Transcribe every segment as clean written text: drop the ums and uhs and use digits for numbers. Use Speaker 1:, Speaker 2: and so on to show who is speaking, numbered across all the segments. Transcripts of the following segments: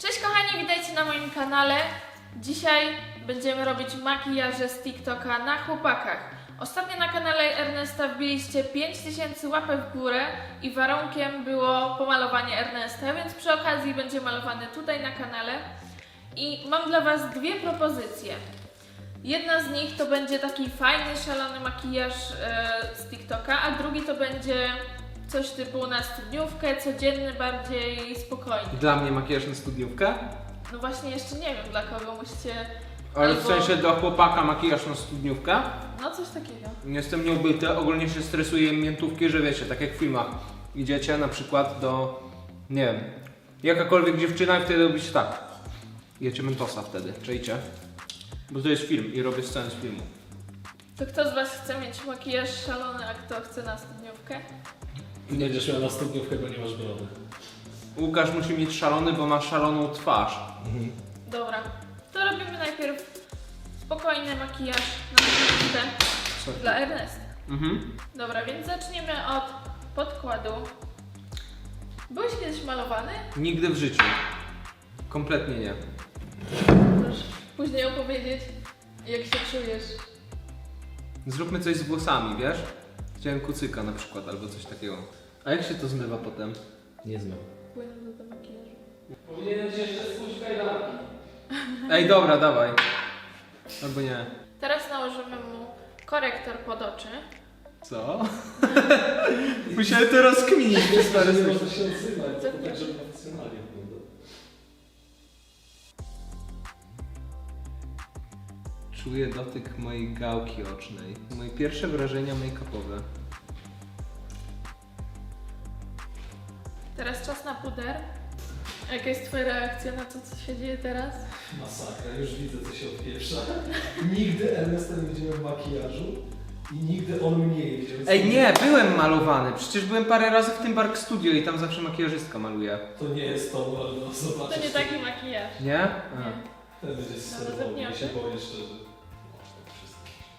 Speaker 1: Cześć kochani, witajcie na moim kanale. Dzisiaj będziemy robić makijaże z TikToka na chłopakach. Ostatnio na kanale Ernesta wbiliście 5000 łapek w górę i warunkiem było pomalowanie Ernesta, więc przy okazji będzie malowany tutaj na kanale. I mam dla Was dwie propozycje. Jedna z nich to będzie taki fajny, szalony makijaż z TikToka, a drugi to będzie coś typu na studniówkę, codzienny, bardziej spokojny.
Speaker 2: Dla mnie makijaż na studniówkę?
Speaker 1: No właśnie jeszcze nie wiem dla kogo, musicie...
Speaker 2: Ale w sensie dla chłopaka makijaż na studniówkę?
Speaker 1: No coś takiego.
Speaker 2: Jestem nieubyty, ogólnie się stresuję miętówki, że wiecie, tak jak w filmach. Idziecie na przykład do, nie wiem, jakakolwiek dziewczyna i wtedy robicie tak. Jecie mentosa wtedy, czajcie? Bo to jest film i robię scenę z filmu.
Speaker 1: To kto z Was chce mieć makijaż szalony, a kto chce na studniówkę?
Speaker 3: Nie będziesz miał na studniówkę, bo nie masz brody.
Speaker 2: Łukasz musi mieć szalony, bo ma szaloną twarz.
Speaker 1: Dobra, to robimy najpierw spokojny makijaż na studniówkę dla Ernesta. Dobra, więc zaczniemy od podkładu. Byłeś kiedyś malowany?
Speaker 2: Nigdy w życiu. Kompletnie nie.
Speaker 1: Możesz później opowiedzieć, jak się czujesz.
Speaker 2: Zróbmy coś z włosami, wiesz? Chciałem kucyka na przykład, albo coś takiego. A jak się to zmywa potem?
Speaker 3: Nie znam.
Speaker 1: Płynę do makijażu.
Speaker 3: Powinienem ci jeszcze spójrz kajdanki.
Speaker 2: Ej, dobra, dawaj. Albo nie.
Speaker 1: Teraz nałożymy mu korektor pod oczy.
Speaker 2: Co? Musiałem to rozkminić.
Speaker 3: Stary, nie można się odzywać, to tak, żeby profesjonalnie wygląda.
Speaker 2: Czuję dotyk mojej gałki ocznej. Moje pierwsze wrażenia make-upowe.
Speaker 1: Teraz czas na puder. Jaka jest Twoja reakcja na to, co się dzieje teraz?
Speaker 3: Masakra, już widzę, co się odpieprza. Nigdy Ernesta nie widziałem w makijażu i nigdy on mnie nie widział.
Speaker 2: Ej, nie, byłem malowany. Przecież byłem parę razy w tym Bark Studio i tam zawsze makijażystka maluje.
Speaker 3: To nie jest to, Mordo,
Speaker 1: To
Speaker 3: zobaczysz.
Speaker 1: nie taki makijaż.
Speaker 2: Nie? A.
Speaker 1: Nie.
Speaker 3: Ten będzie
Speaker 1: Dobra,
Speaker 3: serwował,
Speaker 1: zapniemy.
Speaker 3: ja się boję szczerze. Wszystko.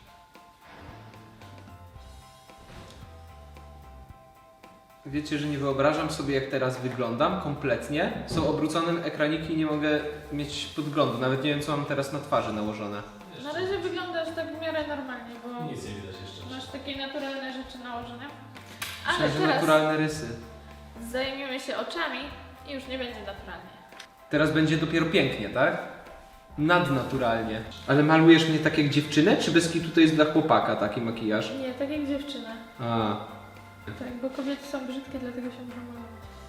Speaker 2: Wiecie, że nie wyobrażam sobie, jak teraz wyglądam kompletnie. Są obrócone ekraniki i nie mogę mieć podglądu. Nawet nie wiem, co mam teraz na twarzy nałożone.
Speaker 1: Na razie wyglądasz tak w miarę normalnie, bo
Speaker 3: Nic nie widać jeszcze.
Speaker 1: masz takie naturalne rzeczy nałożone. Ale
Speaker 2: Myślę, że
Speaker 1: teraz
Speaker 2: naturalne rysy.
Speaker 1: zajmiemy się oczami i już nie będzie naturalnie.
Speaker 2: Teraz będzie dopiero pięknie, tak? Nadnaturalnie. Ale malujesz mnie tak jak dziewczynę, czy bez kitu to jest dla chłopaka taki makijaż?
Speaker 1: Nie, tak jak dziewczyna.
Speaker 2: A,
Speaker 1: Tak, bo kobiety są brzydkie, dlatego się muszą malować.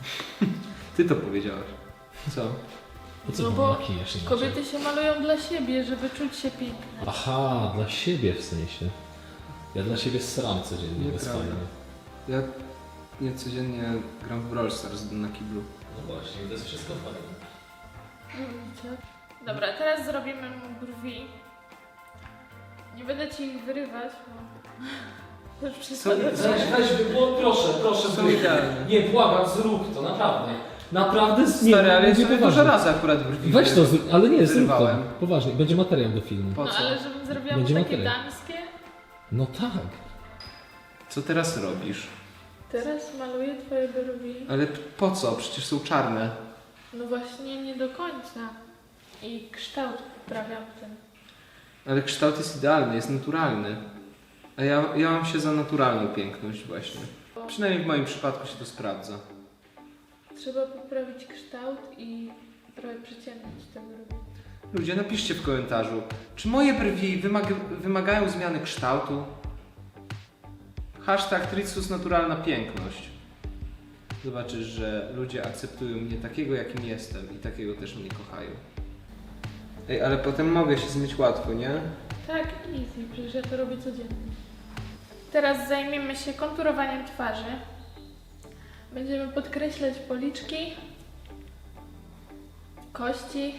Speaker 2: ty to powiedziałaś. Co?
Speaker 3: Po co
Speaker 1: No
Speaker 3: mam
Speaker 1: bo
Speaker 3: makijaż inaczej?
Speaker 1: kobiety się malują dla siebie, żeby czuć się piękne.
Speaker 3: Aha, dla siebie w sensie. Ja dla siebie sram codziennie, bez
Speaker 2: Nieprawda.
Speaker 3: fajnie.
Speaker 2: Ja nie codziennie gram w Brawl Stars na kiblu.
Speaker 3: No właśnie, to jest wszystko fajne.
Speaker 1: Widzicie? Dobra, teraz zrobimy mu brwi. Nie będę ci ich wyrywać, bo już przesadzę.
Speaker 3: Proszę,
Speaker 2: Są idealne.
Speaker 3: Nie, błagam, zrób to, naprawdę. Naprawdę,
Speaker 2: Stary, ale ja
Speaker 3: mówię
Speaker 2: sobie dużo razy akurat brwi
Speaker 3: Weź to, ale nie, zrób to.
Speaker 2: wyrwałem.
Speaker 3: Poważnie, będzie materiał do filmu.
Speaker 2: Po
Speaker 1: No
Speaker 2: co?
Speaker 1: ale żebym zrobiła
Speaker 3: Będzie
Speaker 1: mu takie
Speaker 3: materiał.
Speaker 1: damskie,
Speaker 3: No tak.
Speaker 2: Co teraz robisz?
Speaker 1: teraz maluję twoje brwi.
Speaker 2: Ale po co? Przecież są czarne.
Speaker 1: No właśnie nie do końca. I kształt poprawiam tym.
Speaker 2: Ale kształt jest idealny, jest naturalny. A ja mam się za naturalną piękność właśnie. Przynajmniej w moim przypadku się to sprawdza.
Speaker 1: Trzeba poprawić kształt i trochę przyciemnić te brwi.
Speaker 2: Ludzie, napiszcie w komentarzu, czy moje brwi wymagają zmiany kształtu? Hashtag Tricus naturalna piękność. Zobaczysz, że ludzie akceptują mnie takiego, jakim jestem i takiego też mnie kochają. Ej, ale potem mogę się zmyć łatwo, nie?
Speaker 1: Tak, easy, przecież ja to robię codziennie. Teraz zajmiemy się konturowaniem twarzy. Będziemy podkreślać policzki, kości.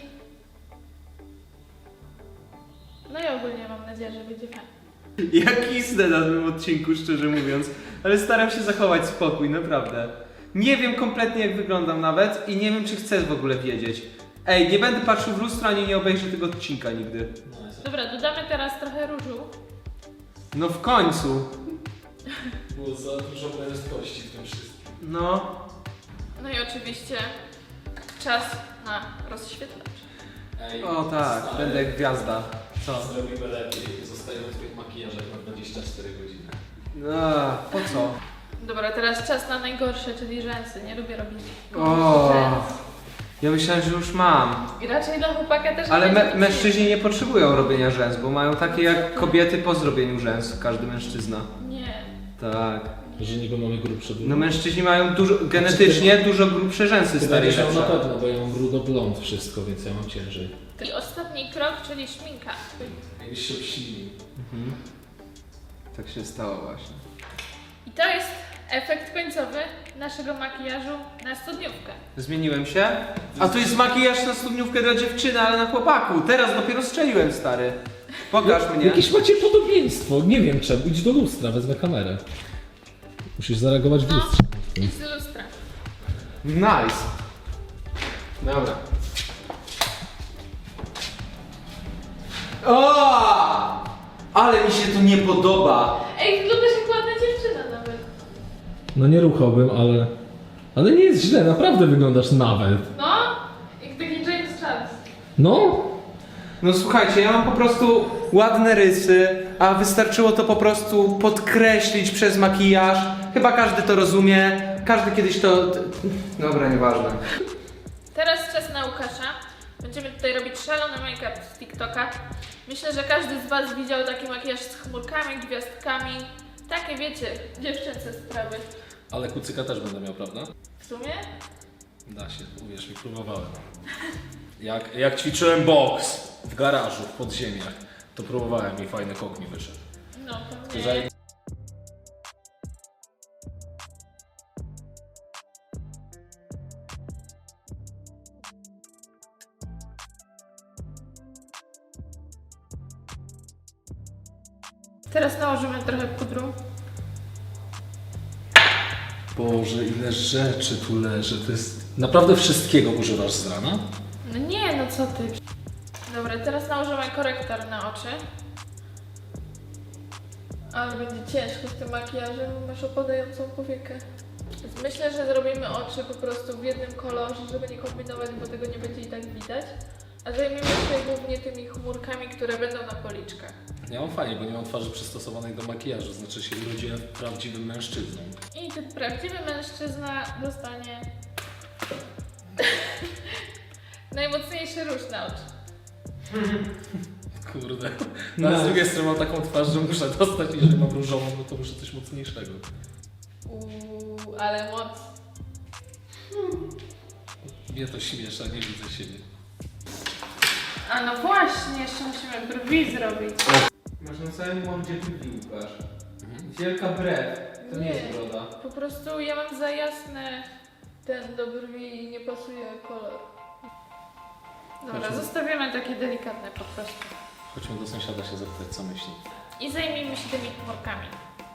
Speaker 1: No i ogólnie mam nadzieję, że będzie fajnie.
Speaker 2: Ja kisnę na tym odcinku, szczerze mówiąc, ale staram się zachować spokój, naprawdę. Nie wiem kompletnie, jak wyglądam nawet i nie wiem, czy chcę w ogóle wiedzieć. Ej, nie będę patrzył w lustro, ani nie obejrzę tego odcinka nigdy.
Speaker 1: Dobra, dodamy teraz trochę różu.
Speaker 2: No w końcu.
Speaker 3: Było za dużo prędkości w tym wszystkim.
Speaker 2: No.
Speaker 1: No i oczywiście czas Aha, rozświetlacz.
Speaker 4: Ej,
Speaker 2: O tak,
Speaker 4: stary,
Speaker 2: będę jak gwiazda. Co?
Speaker 4: Zrobimy lepiej. Zostajemy w tych makijażach na 24 godziny.
Speaker 2: Po co?
Speaker 1: Dobra, teraz czas na najgorsze, czyli rzęsy. Nie lubię robić
Speaker 2: O,
Speaker 1: rzęs.
Speaker 2: ja myślałem, że już mam.
Speaker 1: I raczej dla chłopaka też
Speaker 2: Ale
Speaker 1: nie będzie
Speaker 2: mężczyźni nie potrzebują robienia rzęs, bo mają takie jak kobiety po zrobieniu rzęs, każdy mężczyzna.
Speaker 1: Nie.
Speaker 2: Tak.
Speaker 4: Że niby mamy grubsze brud.
Speaker 2: No mężczyźni mają genetycznie dużo grubsze rzęsy,
Speaker 4: Ty
Speaker 2: stary.
Speaker 4: będziesz miał na pewno, bo ja mam brudo-blond wszystko, więc ja mam ciężej.
Speaker 1: I ostatni krok, czyli szminka.
Speaker 4: Jakbyś się obsilił.
Speaker 2: Mhm. Tak się stało właśnie.
Speaker 1: I to jest efekt końcowy naszego makijażu na studniówkę.
Speaker 2: Zmieniłem się? A to jest makijaż na studniówkę dla dziewczyny, ale na chłopaku. Teraz dopiero strzeliłem, stary. Pokaż mnie.
Speaker 4: Jakieś macie podobieństwo, nie wiem czemu. Idź do lustra, wezmę kamerę. Musisz zareagować w
Speaker 1: No,
Speaker 4: lustrze.
Speaker 1: idź z lustra.
Speaker 2: Nice. Dobra. O! Ale mi się to nie podoba.
Speaker 1: Ej, wyglądasz jak ładna dziewczyna nawet.
Speaker 4: No nie ruchałbym, ale... Ale nie jest źle, naprawdę wyglądasz nawet.
Speaker 1: No, jak taki James Charles.
Speaker 4: No,
Speaker 2: No słuchajcie, ja mam po prostu ładne rysy, a wystarczyło to po prostu podkreślić przez makijaż. Chyba każdy to rozumie. Każdy kiedyś to... Dobra, nieważne.
Speaker 1: Teraz czas na Łukasza. Będziemy tutaj robić szalony make-up z TikToka. Myślę, że każdy z Was widział taki makijaż z chmurkami, gwiazdkami. Takie wiecie, dziewczęce sprawy.
Speaker 4: ale kucyka też będę miał, prawda?
Speaker 1: W sumie?
Speaker 4: Da się, uwierz mi, próbowałem. Jak ćwiczyłem boks w garażu, w podziemiach, to próbowałem i fajny kok mi wyszedł.
Speaker 1: No,
Speaker 4: To
Speaker 1: pewnie.
Speaker 4: zaj-
Speaker 1: Teraz nałożymy trochę pudru.
Speaker 4: Boże, ile rzeczy tu leży, to jest... Naprawdę wszystkiego używasz z rana?
Speaker 1: No nie, no co ty. Dobra, teraz nałożymy korektor na oczy. Ale będzie ciężko z tym makijażem, bo masz opadającą powiekę. Więc myślę, że zrobimy oczy po prostu w jednym kolorze, żeby nie kombinować, bo tego nie będzie i tak widać. A zajmiemy się głównie tymi chmurkami, które będą na policzkach.
Speaker 4: Ja mam fajnie, bo nie mam twarzy przystosowanej do makijażu, znaczy się urodziłem prawdziwym mężczyzną.
Speaker 1: I ten prawdziwy mężczyzna dostanie najmocniejszy róż na oczy.
Speaker 4: Kurde. No, a z drugiej strony mam taką twarz, że muszę dostać i że mam różową, no to muszę coś mocniejszego.
Speaker 1: Ale moc.
Speaker 4: Mnie to śmiesza, nie widzę siebie.
Speaker 1: A no właśnie, jeszcze musimy brwi zrobić.
Speaker 2: Masz na całym mordzie brwi, Łukasz. Wielka brew. To nie jest broda.
Speaker 1: Po prostu ja mam za jasne ten do brwi i nie pasuje kolor. Dobra,
Speaker 4: Chodźmy.
Speaker 1: zostawimy takie delikatne po prostu.
Speaker 4: Chodźmy do sąsiada się zapytać, co myśli.
Speaker 1: I zajmijmy się tymi chmurkami.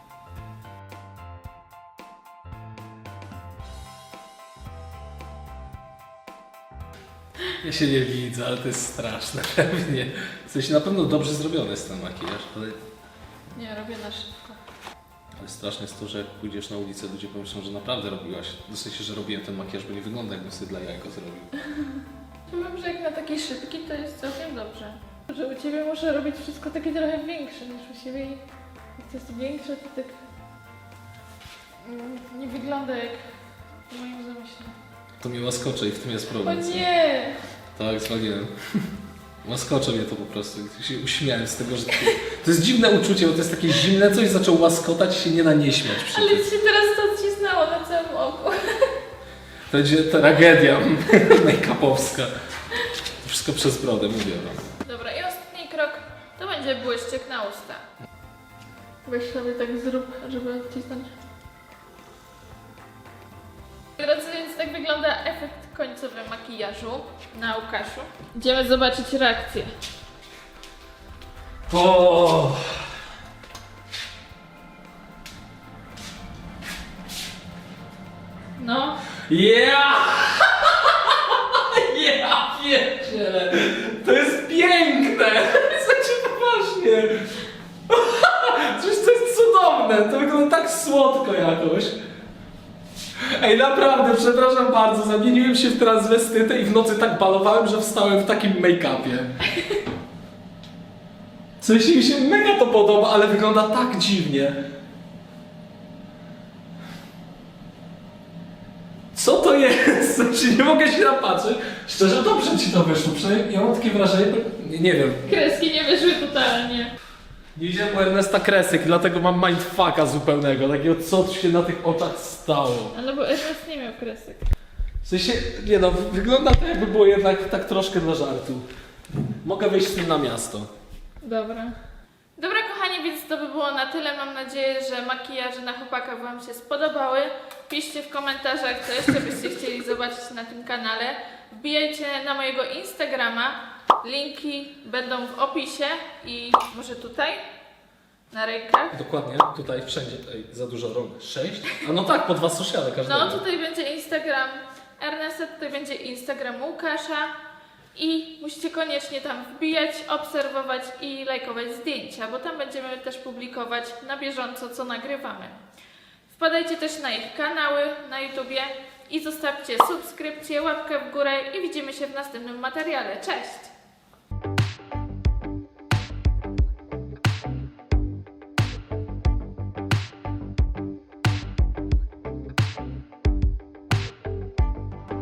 Speaker 4: Ja się nie widzę, ale to jest straszne pewnie. W sensie na pewno dobrze zrobiony jest ten makijaż,
Speaker 1: Nie, robię na szybko.
Speaker 4: ale straszne jest to, że jak pójdziesz na ulicę, ludzie pomyślą, że naprawdę robiłaś. W sensie, że robiłem ten makijaż, bo nie wygląda jakbym sobie dla jajko zrobił.
Speaker 1: Powiem, że jak na taki szybki to jest całkiem dobrze. Że u Ciebie muszę robić wszystko takie trochę większe niż u siebie i jak to jest większe to tak nie wygląda jak w moim zamyśle.
Speaker 4: To mnie łaskocze i w tym jest
Speaker 1: O
Speaker 4: problem. co?
Speaker 1: nie!
Speaker 4: Tak, zwaliłem. Łaskocze mnie to po prostu. Się uśmiałem z tego, że to jest dziwne uczucie, bo to jest takie zimne coś, zaczął łaskotać i się nie da nie śmiać przy
Speaker 1: Ale
Speaker 4: tym.
Speaker 1: Ci się teraz to odcisnęło na całym oku.
Speaker 4: To będzie tragedia make-upowska. To wszystko przez brodę, mówię wam.
Speaker 1: Dobra, i ostatni krok to będzie błyszczyk na usta. Weź sobie tak zrób, żeby odcisnąć. Drodzy, więc tak wygląda efekt końcowy makijażu na Łukaszu. Idziemy zobaczyć reakcję.
Speaker 4: O!
Speaker 1: No,
Speaker 4: Yeah! Ja pierdzielę! To jest piękne! Słuchajcie, poważnie! Przecież to jest cudowne! To wygląda tak słodko jakoś. Ej, Ej, naprawdę, przepraszam bardzo, zamieniłem się w transwestytę i w nocy tak balowałem, że wstałem w takim make-upie. Coś mi się mega to podoba, ale wygląda tak dziwnie. Co to jest? Znaczy, nie mogę się napatrzeć. Szczerze, dobrze ci to wyszło. Przynajmniej ja mam takie wrażenie, nie wiem.
Speaker 1: Kreski nie wyszły totalnie.
Speaker 4: Nie widziałem u Ernesta kresek, dlatego mam mindfucka zupełnego. Takiego, co się na tych oczach stało.
Speaker 1: Ale bo Ernest nie miał kresek.
Speaker 4: W sensie, nie no, wygląda to jakby było jednak tak troszkę dla żartu. Mogę wyjść z tym na miasto.
Speaker 1: Dobra. Dobra kochani, więc to by było na tyle. Mam nadzieję, że makijaże na chłopakach Wam się spodobały. Piszcie w komentarzach, co jeszcze byście chcieli zobaczyć na tym kanale. Wbijajcie na mojego Instagrama. Linki będą w opisie i może tutaj, na rękach.
Speaker 4: Dokładnie, tutaj wszędzie, za dużo rąk. 6? A no tak, po 2 sociale każdego.
Speaker 1: No tutaj będzie Instagram Ernesta, tutaj będzie Instagram Łukasza. I musicie koniecznie tam wbijać, obserwować i lajkować zdjęcia, bo tam będziemy też publikować na bieżąco, co nagrywamy. Wpadajcie też na ich kanały na YouTubie i zostawcie subskrypcję, łapkę w górę i widzimy się w następnym materiale. Cześć!